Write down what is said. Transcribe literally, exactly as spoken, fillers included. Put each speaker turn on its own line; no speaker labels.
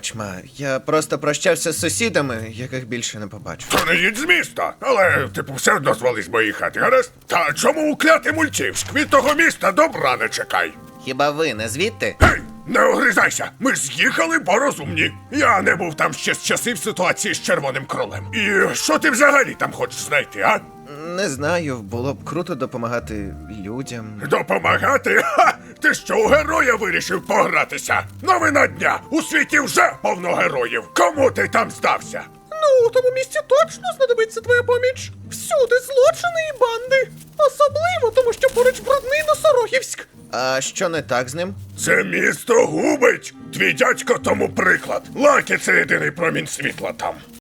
Пробач, ма, я просто прощався з сусідами, яких більше не побачу.
То не їдь з міста, але, типу, все одно звали з моєї хати, гаразд? Та чому укляти Мультівськ? Від того міста добра не чекай.
Хіба ви не звідти?
Гей, не огризайся! Ми ж з'їхали, бо розумні. Я не був там ще з часів ситуації з Червоним Кролем. І що ти взагалі там хочеш знайти, а?
Не знаю, було б круто допомагати людям.
Допомагати? Ха! Ти що, у героя вирішив погратися? Новина дня! У світі вже повно героїв! Кому ти там здався?
Ну, у тому місці точно знадобиться твоя поміч. Всюди злочини і банди. Особливо, тому що поруч брудний Носорогівськ.
А що не так з ним?
Це місто губить! Твій дядько тому приклад. Лакі — це єдиний промінь світла там.